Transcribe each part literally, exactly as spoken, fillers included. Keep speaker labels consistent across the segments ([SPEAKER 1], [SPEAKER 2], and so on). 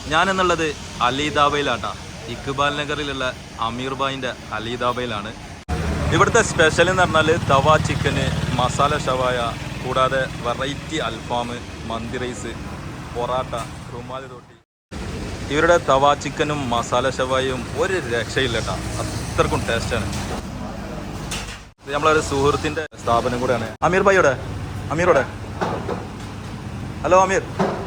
[SPEAKER 1] ഞാനെന്നുള്ളത് അലിദാബയിലാട്ടാ. ഇക്ബാൽ നഗറിലുള്ള അമീർ ഭായിൻ്റെ അലിദാബയിലാണ്. ഇവിടുത്തെ സ്പെഷ്യൽ എന്ന് പറഞ്ഞാൽ തവ ചിക്കന്, മസാല ഷവായ, കൂടാതെ വെറൈറ്റി അൽഫാം, മന്തി റൈസ്, പൊറാട്ട, റുമാലി റൊട്ടി. ഇവരുടെ തവ ചിക്കനും മസാല ഷവായും ഒരു രക്ഷയില്ല കേട്ടോ, അത്രക്കും ടേസ്റ്റാണ്. ഇത് നമ്മളൊരു സുഹൃത്തിൻ്റെ സ്ഥാപനം കൂടെയാണ്. അമീർ ഭായിയോടെ അമീറോടെ ഹലോ അമീർ.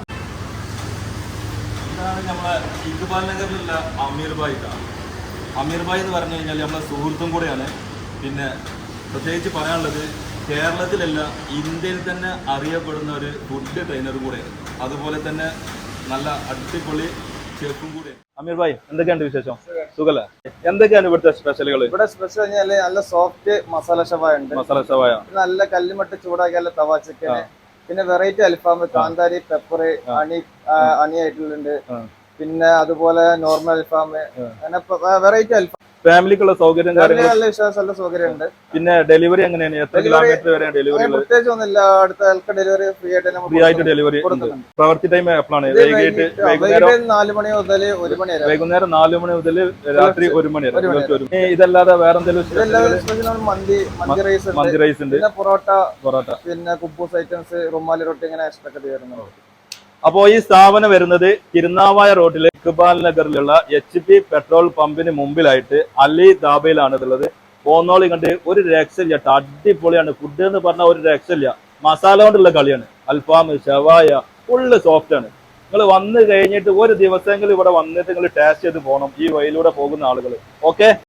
[SPEAKER 1] ഇതാണ് നമ്മളെ ഇക്ബാൽ നഗറിലുള്ള അമീർ ഭായി. അമീർ ഭായി എന്ന് പറഞ്ഞു കഴിഞ്ഞാൽ നമ്മളെ സുഹൃത്തും കൂടെയാണ്. പിന്നെ പ്രത്യേകിച്ച് പറയാനുള്ളത്, കേരളത്തിലല്ല ഇന്ത്യയിൽ തന്നെ അറിയപ്പെടുന്ന ഒരു ഫുഡ് ട്രെയിനർ കൂടെയാണ്. അതുപോലെ തന്നെ നല്ല അടിപൊളി ഷെഫും കൂടെ. അമീർ ഭായി, എന്തൊക്കെയുണ്ട് വിശേഷം? സുഖല്ലേ? എന്തൊക്കെയാണ് ഇവിടുത്തെ സ്പെഷ്യലുകൾ?
[SPEAKER 2] ഇവിടെ സ്പെഷ്യൽ കഴിഞ്ഞാല് നല്ല സോഫ്റ്റ് മസാല ഷവായ ഉണ്ട്.
[SPEAKER 1] മസാല ഷവായ,
[SPEAKER 2] നല്ല കല്ലുമട്ട് ചൂടാക്കിയ തവ ചിക്കന്, പിന്നെ വെറൈറ്റി അൽഫാം, കാന്താരി, പെപ്പർ, അണി അണി ആയിട്ടുള്ളുണ്ട്. പിന്നെ അതുപോലെ നോർമൽ അൽഫാം, അങ്ങനെ വെറൈറ്റി അൽഫാം.
[SPEAKER 1] ഫാമിലിക്കുള്ള സൗകര്യം
[SPEAKER 2] നല്ല വിശ്വാസമുള്ള സൗകര്യം ഉണ്ട്.
[SPEAKER 1] പിന്നെ ഡെലിവറി എങ്ങനെയാണ്? എത്ര കിലോമീറ്റർ വരെ ഡെലിവറി?
[SPEAKER 2] പ്രത്യേകിച്ച് ഒന്നുമില്ല, അടുത്ത ആൾക്ക് ഡെലിവറി ഫ്രീ ആയിട്ട്
[SPEAKER 1] ഫ്രീ ആയിട്ട് ഡെലിവറി കൊടുക്കുന്നുണ്ട്. പ്രവൃത്തി ടൈം എപ്പോഴാണ്?
[SPEAKER 2] നാല് മണി മുതൽ ഒരു മണി വരെ.
[SPEAKER 1] വൈകുന്നേരം നാല് മണി മുതൽ രാത്രി ഒരു മണി വരെ. ഇതല്ലാതെ വേറെ എന്തെങ്കിലും?
[SPEAKER 2] മന്തി മന്തി റൈസ്
[SPEAKER 1] മന്തി റൈസ് ഉണ്ട്,
[SPEAKER 2] പിന്നെ പൊറോട്ട
[SPEAKER 1] പൊറോട്ട,
[SPEAKER 2] പിന്നെ കുബൂസ് ഐറ്റംസ്, റുമാലി റൊട്ടി, ഇങ്ങനെ എക്സ്ട്രാ ഒക്കെ വരുന്നുണ്ട്.
[SPEAKER 1] അപ്പോൾ ഈ സ്ഥാപനം വരുന്നത് തിരുനാവായ റോഡിലെ ഇക്ബാൽ നഗറിലുള്ള എച്ച് പി പെട്രോൾ പമ്പിന് മുമ്പിലായിട്ട് അലി ദാബയിലാണ് ഉള്ളത്. പോന്നോളി കണ്ട് ഒരു രക്ഷയില്ല, അടിപൊളിയാണ്. ഫുഡ് എന്ന് പറഞ്ഞാൽ ഒരു രക്ഷയില്ല. മസാല കൊണ്ടുള്ള കളിയാണ്. അൽഫാം, ഷവായ ഫുള്ള് സോഫ്റ്റ് ആണ്. നിങ്ങൾ വന്നു കഴിഞ്ഞിട്ട് ഒരു ദിവസമെങ്കിലും ഇവിടെ വന്നിട്ട് നിങ്ങൾ ടേസ്റ്റ് ചെയ്ത് പോകണം, ഈ വഴിയിലൂടെ പോകുന്ന ആളുകൾ. ഓക്കെ.